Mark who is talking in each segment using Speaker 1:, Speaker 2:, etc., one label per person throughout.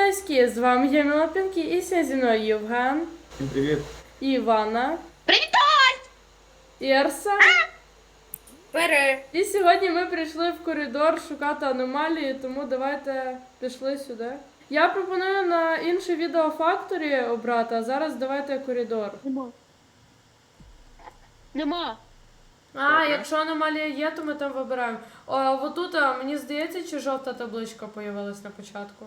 Speaker 1: Поліцейські, з вами я Мілопінки і сьогодні зі мною Євген,
Speaker 2: Всім привіт.
Speaker 1: Івана,
Speaker 3: Привіт!
Speaker 1: Ірса.
Speaker 3: Бери!
Speaker 1: І сьогодні ми прийшли в коридор шукати аномалії, тому давайте пішли сюди. Я пропоную на інше відео Factory обрати, а зараз давайте коридор.
Speaker 3: Нема.
Speaker 1: А, якщо аномалія є, то ми там вибираємо. Отут, мені здається, чи жовта табличка появилась на початку?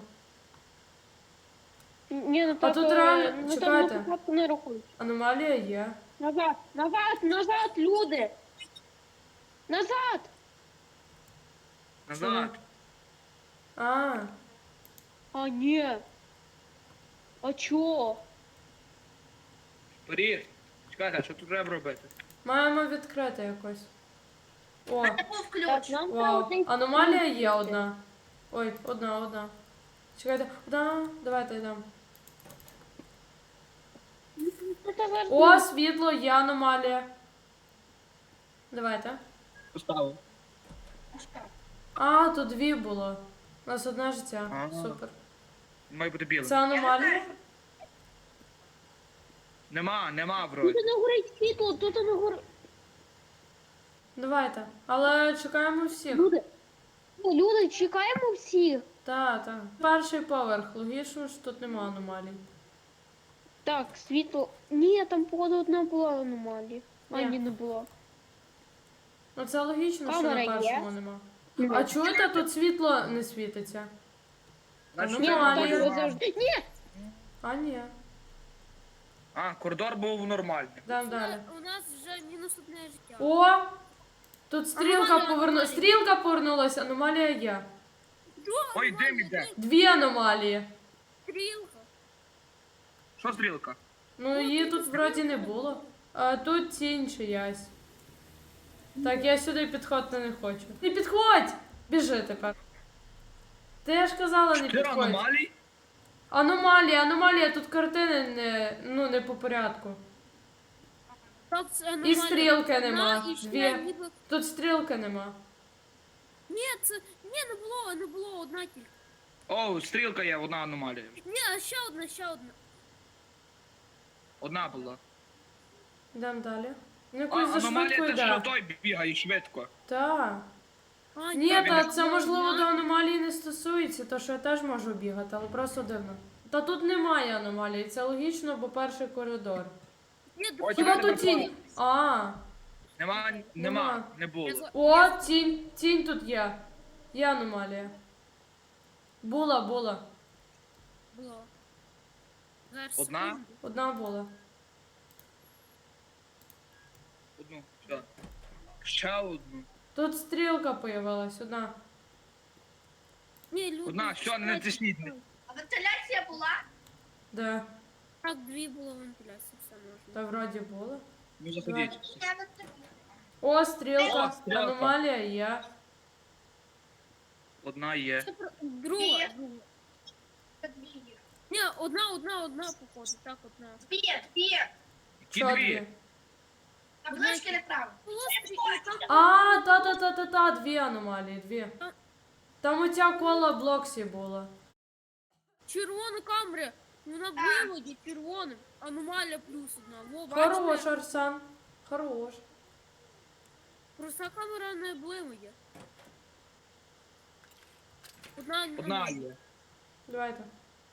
Speaker 3: Ні, ну
Speaker 1: А
Speaker 3: так,
Speaker 1: тут реально,
Speaker 3: ну, там
Speaker 1: чекайте.
Speaker 3: на початку не рахують.
Speaker 1: Аномалія є.
Speaker 3: Назад, люди! Назад!
Speaker 2: Назад.
Speaker 1: А,
Speaker 3: А, ні. А чо?
Speaker 2: Вперед. Чекайте, а що тут треба робити?
Speaker 1: маємо відкрити якось. О,
Speaker 3: Так, нам треба
Speaker 1: вау.
Speaker 3: один-
Speaker 1: Аномалія є одна. Ой, одна. Чекайте, одна. Давайте йдемо.
Speaker 3: Ну, та зараз-
Speaker 1: О, світло, є аномалія. Давайте.
Speaker 2: Поставив.
Speaker 1: А, тут дві було. У нас одне життя.
Speaker 2: Ага.
Speaker 1: Супер.
Speaker 2: Має бути білим.
Speaker 1: Це аномалія?
Speaker 2: Нема вроді.
Speaker 3: Тут не горить світло, тут не горить.
Speaker 1: Давайте. Але чекаємо всіх.
Speaker 3: Люди, чекаємо всіх.
Speaker 1: Так. Перший поверх. Логічно, що тут нема аномалій.
Speaker 3: Так, світло. Ні, там походу одна була аномалія. А,
Speaker 1: Ні.
Speaker 3: ні, не було.
Speaker 1: Ну це логічно, що
Speaker 3: Камера
Speaker 1: на
Speaker 3: є?
Speaker 1: першому нема. А чуєте, тут світло не світиться?
Speaker 2: Значить,
Speaker 1: Ну,
Speaker 2: треба
Speaker 1: аномалія.
Speaker 2: було-
Speaker 3: Завжди. Ні!
Speaker 1: А, ні.
Speaker 2: А, коридор був нормальний.
Speaker 1: Йдемо далі.
Speaker 4: У нас вже мінус одне життя.
Speaker 1: О! Тут стрілка
Speaker 4: Аномалія,
Speaker 1: повернулася.
Speaker 4: аномалія.
Speaker 1: Стрілка повернулася, аномалія є.
Speaker 2: Ой, дим іде.
Speaker 1: Дві аномалії.
Speaker 4: Стрілка.
Speaker 2: Що стрілка?
Speaker 1: Ну її тут вроді не було. А тут тінь чиясь. Так, я сюди підходити не хочу. Не підходь! Біжи тепер. Ти ж казала, не
Speaker 2: 4
Speaker 1: підходь.
Speaker 2: аномалій?
Speaker 1: Аномалія, тут картини не по порядку.
Speaker 4: Так, це
Speaker 1: І
Speaker 4: аномалія.
Speaker 1: стрілки
Speaker 4: Одна,
Speaker 1: нема.
Speaker 4: і ще
Speaker 1: Дві.
Speaker 4: ніби-
Speaker 1: Тут стрілки нема.
Speaker 4: Ні, це... Ні, не було, одна тільки.
Speaker 2: О, стрілка є, одна аномалія.
Speaker 4: Ні, ще одна.
Speaker 2: Одна була.
Speaker 1: Йдемо далі. Ну
Speaker 2: А,
Speaker 1: якось за швидко
Speaker 2: аномалія те, що
Speaker 1: йде.
Speaker 2: той бігає швидко.
Speaker 1: Так.
Speaker 4: А,
Speaker 1: Ні,
Speaker 2: Так,
Speaker 1: та
Speaker 2: він
Speaker 1: це можливо
Speaker 4: одна.
Speaker 1: до аномалії не стосується, то що я теж можу бігати, але просто дивно. Та тут немає аномалії, це логічно, бо перший коридор.
Speaker 4: Ні,
Speaker 2: Ой,
Speaker 1: Хіба
Speaker 2: давайте
Speaker 1: тут тінь?
Speaker 2: попробуємо.
Speaker 1: А,
Speaker 2: Нема,
Speaker 1: Нема.
Speaker 2: не було.
Speaker 1: о, тінь тут є. Є аномалія. Була.
Speaker 4: було. Зараз,
Speaker 2: Одна?
Speaker 4: секунду.
Speaker 1: Одна була.
Speaker 2: Одну, все. Ще одну.
Speaker 1: Тут стрілка появилась, одна.
Speaker 4: Ні, люди.
Speaker 2: Одна, що, не натисніть.
Speaker 5: А вентиляція була?
Speaker 1: Де?
Speaker 4: Так, дві було вентиляції, все можна.
Speaker 1: Та вроді була.
Speaker 2: Ну заходіть.
Speaker 5: Я на три.
Speaker 1: О, стрілка.
Speaker 2: О, стрілка.
Speaker 1: Аномалія є.
Speaker 2: Одна є.
Speaker 4: Це друга.
Speaker 5: Дві. Дві.
Speaker 4: Ні, одна, походу. Так, одна.
Speaker 5: Дві.
Speaker 2: Ті
Speaker 1: Що
Speaker 2: дві.
Speaker 5: Таблички неправильно.
Speaker 4: Було стрілка.
Speaker 1: А, та, дві аномалії, дві. Там оця кола Блоксі була.
Speaker 4: Червона камера. Вона виводі червоним. Аномалія плюс одна. Во, бачите?
Speaker 1: Хорош, Арсен. Хорош.
Speaker 4: Проста камера не блимає. Одна
Speaker 2: Одна є.
Speaker 1: Давайте.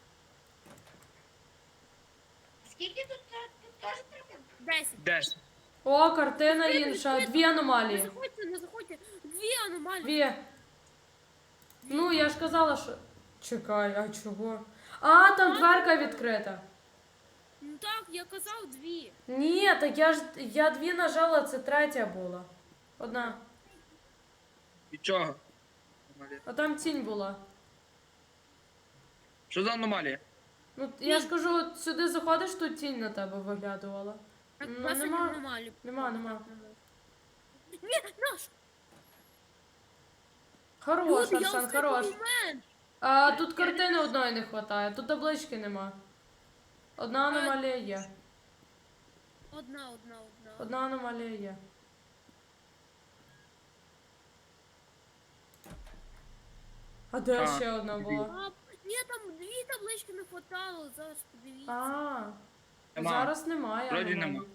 Speaker 5: Скільки тут теж треба?
Speaker 4: 10.
Speaker 2: 10.
Speaker 1: О, картина інша. Дві
Speaker 4: Не
Speaker 1: аномалії.
Speaker 4: заходьте. Дві аномалії.
Speaker 1: Дві. Ну, я ж казала, що... Чекай, а чого? А, там дверка відкрита.
Speaker 4: Ну так, я казав дві.
Speaker 1: Ні, так я дві нажала, це третя була. Одна.
Speaker 2: Від чого? Аномалія.
Speaker 1: А там тінь була.
Speaker 2: Що за аномалія?
Speaker 1: Ну, я ж кажу, от сюди заходиш, тут тінь на тебе виглядувала.
Speaker 4: Так,
Speaker 1: Ну,
Speaker 4: класні
Speaker 1: нема.
Speaker 4: аномалії.
Speaker 1: Нема.
Speaker 4: Ні, наш.
Speaker 1: Хорош,
Speaker 4: Люди, я
Speaker 1: Арсен,
Speaker 4: останній
Speaker 1: хорош.
Speaker 4: момент.
Speaker 1: А тут картини одної не вистачає, тут таблички нема. Одна аномалія є.
Speaker 4: Одна.
Speaker 1: Одна аномалія є. А де
Speaker 2: А,
Speaker 1: ще одна була?
Speaker 4: А, ні, там дві таблички порталу, зараз подивіться.
Speaker 1: А,
Speaker 2: Нема.
Speaker 1: зараз немає.
Speaker 2: Вроді
Speaker 1: аномалій.
Speaker 2: нема.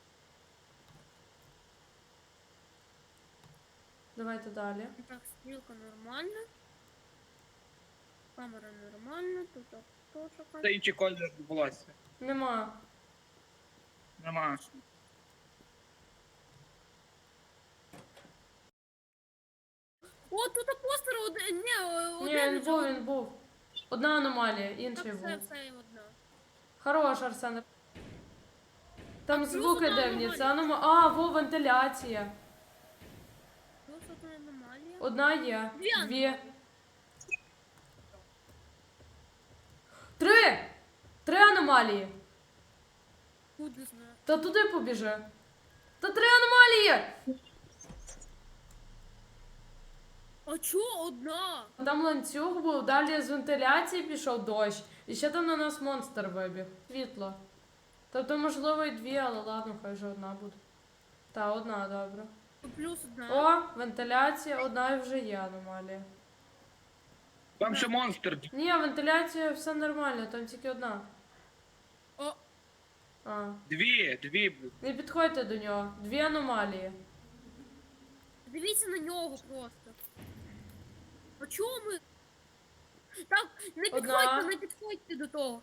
Speaker 1: Давайте далі.
Speaker 4: Так, стрілка нормальна. Камера нормальна, тут теж
Speaker 2: Це інший колір волосся.
Speaker 1: Нема.
Speaker 2: Нема.
Speaker 4: О, тут постер один. Ні,
Speaker 1: Ні,
Speaker 4: один.
Speaker 1: він був, він був. Одна аномалія, інший
Speaker 4: Так,
Speaker 1: був.
Speaker 4: все одна.
Speaker 1: Хорош, Арсен. Там
Speaker 4: плюс
Speaker 1: звуки
Speaker 4: одна
Speaker 1: дивні. Це
Speaker 4: аномалія.
Speaker 1: А, во, вентиляція.
Speaker 4: Плюс одна аномалія.
Speaker 1: Одна є.
Speaker 4: Дві
Speaker 1: Дві. Три! Три аномалії.
Speaker 4: Куди знаю.
Speaker 1: Та туди побіжи. Та три аномалії!
Speaker 4: А чого одна?
Speaker 1: Там ланцюг був, далі з вентиляції пішов дощ. І ще там на нас монстр вибіг. Світло. Тобто, можливо, і дві, але ладно, хай вже одна буде. Та, одна, добре.
Speaker 4: Плюс одна.
Speaker 1: О, вентиляція, одна і вже є аномалія.
Speaker 2: Там ще монстр.
Speaker 1: Ні, вентиляція все нормально, там тільки одна.
Speaker 4: О,
Speaker 1: А.
Speaker 2: Дві.
Speaker 1: Не підходьте до нього. Дві аномалії.
Speaker 4: дивіться на нього просто. А чого ми? Так, не
Speaker 1: Одна.
Speaker 4: підходьте, не підходьте до того.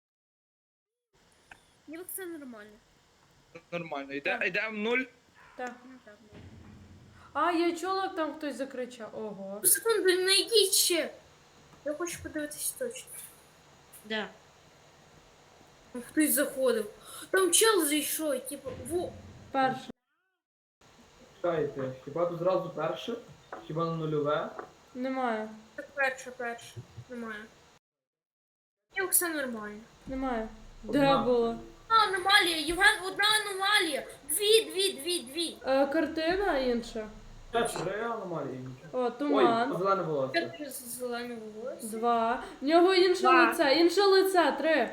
Speaker 4: Ніби все нормально.
Speaker 2: Нормально. Йде в нуль.
Speaker 1: Так.
Speaker 4: Ну так, ну.
Speaker 1: А, я чула, як там хтось закричав. Ого.
Speaker 4: Секунду, не йдіть ще. Я хочу подивитися точно.
Speaker 3: Да.
Speaker 4: Там хтось заходив. Там чел зайшов, типу, во.
Speaker 1: Перше.
Speaker 6: Чекайте, хіба тут зразу перше? Хіба на нульове?
Speaker 1: Немає.
Speaker 4: Так, перше. Немає. Ніби все нормально.
Speaker 1: Немає.
Speaker 6: Одна.
Speaker 1: Де було?
Speaker 4: Аномалія, Євген, одна аномалія. Дві.
Speaker 1: Картина інша.
Speaker 6: Три аномалії.
Speaker 1: О,
Speaker 6: Ой,
Speaker 1: туман.
Speaker 6: зелене волосся.
Speaker 4: П'ять зеленого волосся.
Speaker 1: Два. В нього інше
Speaker 4: Два.
Speaker 1: лице. Інше лице. Три.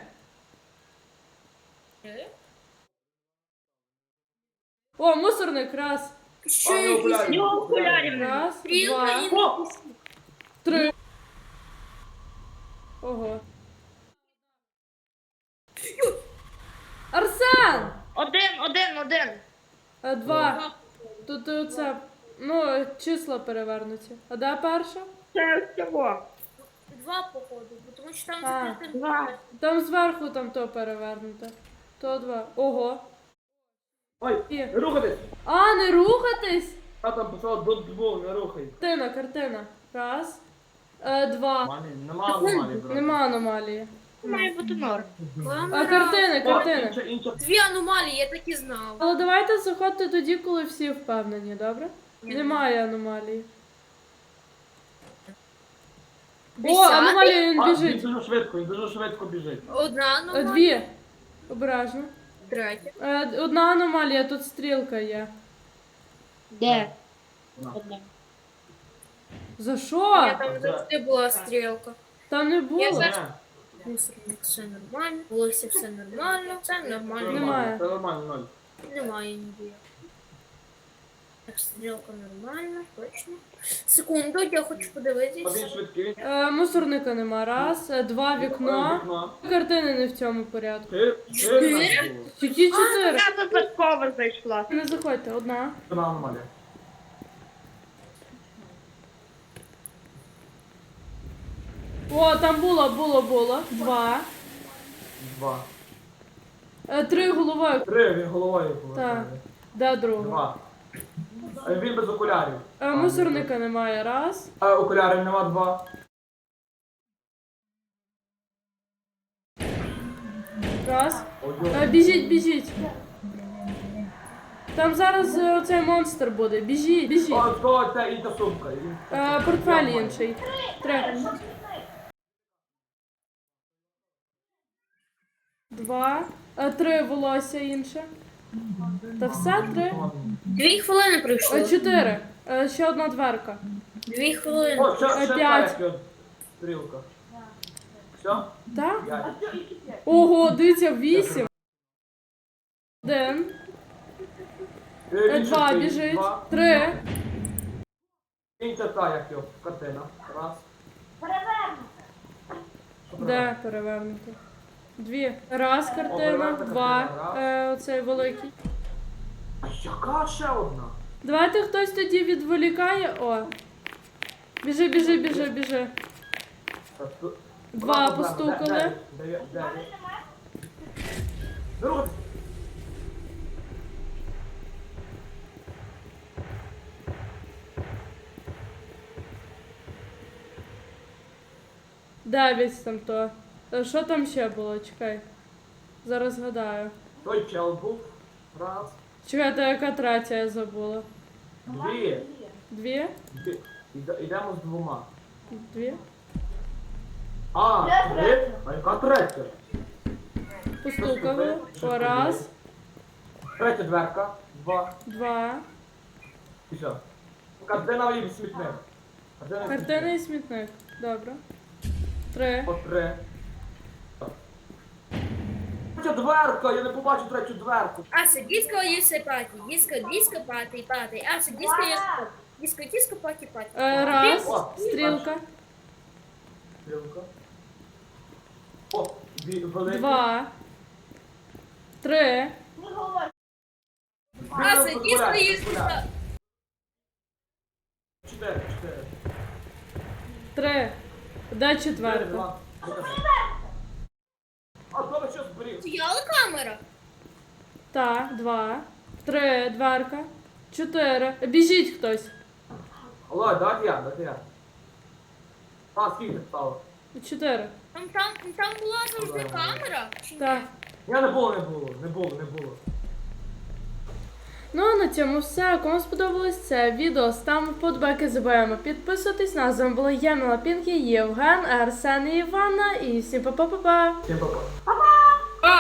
Speaker 1: О, мусорник. Раз.
Speaker 6: А, не окулярів.
Speaker 1: Раз,
Speaker 4: Стрілка
Speaker 1: два,
Speaker 4: і
Speaker 1: три. Ого. Арсен!
Speaker 3: Один.
Speaker 1: Два. Тут оце. Ну, числа перевернуті. А де перша?
Speaker 4: Два походу, тому що там
Speaker 1: А.
Speaker 4: закритий.
Speaker 1: Там зверху там то перевернуте. То два. Ого.
Speaker 6: Ой,
Speaker 1: Є.
Speaker 6: не рухатись!
Speaker 1: А, не рухатись?
Speaker 6: А там писало додбол, не рухай.
Speaker 1: Картина. Раз. Два.
Speaker 6: Нема аномалії, брат.
Speaker 1: Нема аномалії.
Speaker 3: Має бути норм.
Speaker 1: А картини.
Speaker 6: О, інша.
Speaker 4: Дві аномалії, я так і знав.
Speaker 1: Але давайте заходьте тоді, коли всі впевнені, добре? Немає аномалії. О, аномалія, він
Speaker 6: А, він
Speaker 1: біжить.
Speaker 6: дуже швидко біжить.
Speaker 4: Одна аномалія.
Speaker 1: Дві. Обережно.
Speaker 4: Третя.
Speaker 1: Одна аномалія, тут стрілка є.
Speaker 3: Де?
Speaker 6: Одна.
Speaker 1: За що?
Speaker 4: Там завжди була стрілка.
Speaker 1: Там не було.
Speaker 6: Не,
Speaker 4: Мусорник все нормально. Волосся все нормально. Все
Speaker 6: це
Speaker 4: нормально.
Speaker 1: Немає.
Speaker 6: нормально, це нормально, ноль.
Speaker 4: Немає ніде. Так, стрілка нормальна, точно. Секунду, я хочу
Speaker 6: А він
Speaker 4: подивитися.
Speaker 6: швидкий, він
Speaker 1: Мусорника нема. Раз, два, вікно.
Speaker 6: вікно.
Speaker 1: Картини не в цьому порядку.
Speaker 6: Чотири.
Speaker 1: Тільки чотири.
Speaker 3: Я випадково зайшла.
Speaker 1: Не заходьте, одна.
Speaker 6: Одна аномалія.
Speaker 1: О, там було. Два.
Speaker 6: Два.
Speaker 1: Три головою.
Speaker 6: Три, він головою
Speaker 1: Так.
Speaker 6: повертає.
Speaker 1: Де друга?
Speaker 6: Два. Він без окулярів.
Speaker 1: Мусорника немає. Раз.
Speaker 6: Окулярів нема, два.
Speaker 1: Раз.
Speaker 6: Ой,
Speaker 1: Біжіть. Там зараз оцей монстр буде. Біжіть.
Speaker 6: О, це інша сумка.
Speaker 1: Портфель інший. Три. Два. Три волосся інше. Та все три.
Speaker 4: 2 хвилини пройшло.
Speaker 1: Чотири. Ще одна дверка.
Speaker 4: 2 хвилини.
Speaker 6: О, ще
Speaker 1: П'ять.
Speaker 6: та, як стрілка. Все?
Speaker 1: Так?
Speaker 6: П'ять.
Speaker 1: Ого, дивіться, 8. Один.
Speaker 6: Він
Speaker 1: Два
Speaker 6: швидкий.
Speaker 1: біжить.
Speaker 6: Два.
Speaker 1: Три.
Speaker 6: Інша та, як його, картина. Раз.
Speaker 1: Де перевернути? Дві. Раз картина,
Speaker 6: перевернута
Speaker 1: два.
Speaker 6: картина,
Speaker 1: Оцей великий.
Speaker 6: А яка ще одна?
Speaker 1: Давайте хтось тоді відволікає. О. Біжи, біжи, біжи, біжи.
Speaker 6: Та ту-
Speaker 1: Два
Speaker 6: Проблема.
Speaker 1: постукали.
Speaker 6: Дев'ять. Друг.
Speaker 1: Дев'ять там то. Що там ще було? Чекай. Зараз згадаю.
Speaker 6: Той чел був. Раз.
Speaker 1: Чекайте, яка третя я забула.
Speaker 6: Дві.
Speaker 1: Дві?
Speaker 6: Дві. Йдемо з двома.
Speaker 1: Дві?
Speaker 6: А, три? А яка третя?
Speaker 1: Постукали. О, раз,
Speaker 6: Третя дверка. Два.
Speaker 1: два.
Speaker 6: І що? Картина в смітник.
Speaker 1: Картина і смітник. Добре. Три.
Speaker 6: По три. Третя дверка, я не побачу третю дверку.
Speaker 4: Аса, диско, если пати. Диско, пати. Аса, диско, диско, пати.
Speaker 1: Раз.
Speaker 6: О,
Speaker 1: Стрілка.
Speaker 6: Стрілка. О, великий.
Speaker 1: Два. Три.
Speaker 5: Не говори.
Speaker 4: Аса, диско,
Speaker 6: Порядок,
Speaker 4: если
Speaker 6: порядок. Чотири.
Speaker 1: Три. Де четверта?
Speaker 6: Два. А то ви що зберіг?
Speaker 4: Стояла камера?
Speaker 1: Так, два. Три. Дверка. Чотири. Біжіть хтось.
Speaker 6: Алло, давайте я. А, скільки стало?
Speaker 1: Чотири.
Speaker 4: Там була завжди камера? Чи ні?
Speaker 1: Так.
Speaker 6: Я не було.
Speaker 1: Ну а на цьому все. Кому сподобалось це відео, ставимо вподобайки, забуваємо підписуватись. На з вами була я, Міла Пінкі, Євген, Арсен і Іванна. І всім па-па-па-па.
Speaker 6: Всім па-па.